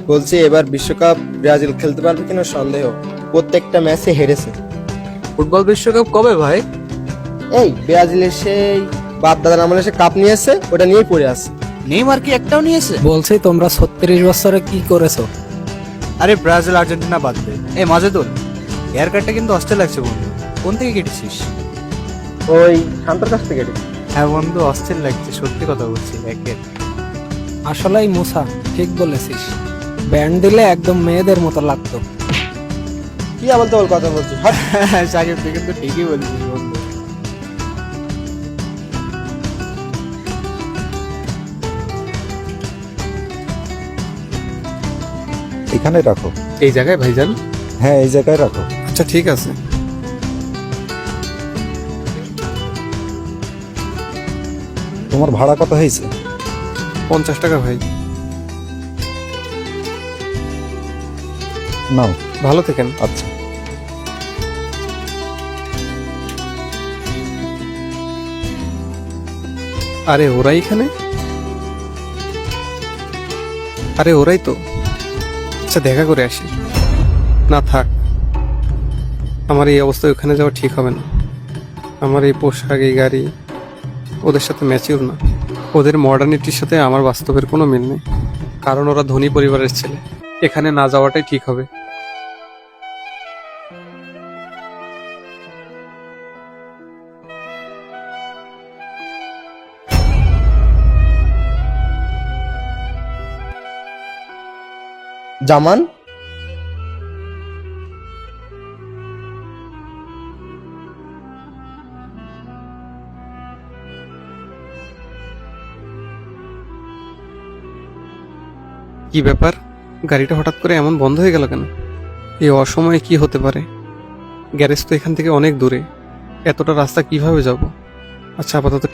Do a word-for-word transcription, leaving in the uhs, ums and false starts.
বলছি এবার বিশ্বকাপ ব্রাজিল খেলতে পারবে কিনা সন্দেহ, প্রত্যেকটা ম্যাচে হেরেছে। ফুটবল বিশ্বকাপ কবে ভাই? এই ব্রাজিলের সেই বাপ দাদার আমলে সে কাপ নিয়েছে, ওটা নিয়েই পড়ে আছে। নেইমার কি একটাও নিয়েছে? বলছি তোমরা ছত্রিশ বছরে কি করেছো? আরে ব্রাজিল আর্জেন্টিনা বাদ দে। এই মাজেদুল, হেয়ার কাটটা কিন্তু অস্থির লাগছে বন্ধু। কোন থেকে কেটেছিস? ওই শান্তর কাছ থেকে এসেছে। হ্যাঁ বন্ধু, অস্থির লাগছে, সত্যি কথা বলছি। একের আসলেই মুসা ঠিক বলেছিস, ব্যান্ড দিলে একদম মেয়েদের মতো লাগতো। কি আবার তোর কথা বলছিস? হাট। সাকিব, তুই কিন্তু ঠিকই বলছিস বন্ধু। এখানে রাখো। এই জায়গায় ভাইজান? হ্যাঁ, এই জায়গায় রাখো। আচ্ছা ঠিক আছে। তোমার ভাড়া কত হয়েছে? পঞ্চাশ টাকা ভাই। নাও। ভালো থেকেন। আচ্ছা। আরে ওরাই এখানে? আরে ওরাই তো। আচ্ছা দেখা করে আসি। না থাক, আমার এই অবস্থায় ওখানে যাওয়া ঠিক হবে না। আমার এই পোশাক, এই গাড়ি ওদের সাথে ম্যাচিওর না। ওদের মডার্নিটির সাথে আমার বাস্তবের কোনো মিল নেই, কারণ ওরা ধনী পরিবারের ছেলে। এখানে না যাওয়াটাই ঠিক হবে। জামান, কি ব্যাপার, গাড়িটা হঠাৎ করে এমন বন্ধ হয়ে গেল কেন? এই অসময়ে কি হতে পারে? গ্যারেজ তো এখান থেকে অনেক দূরে, এতটা রাস্তা কিভাবে যাব? আচ্ছা আপাতত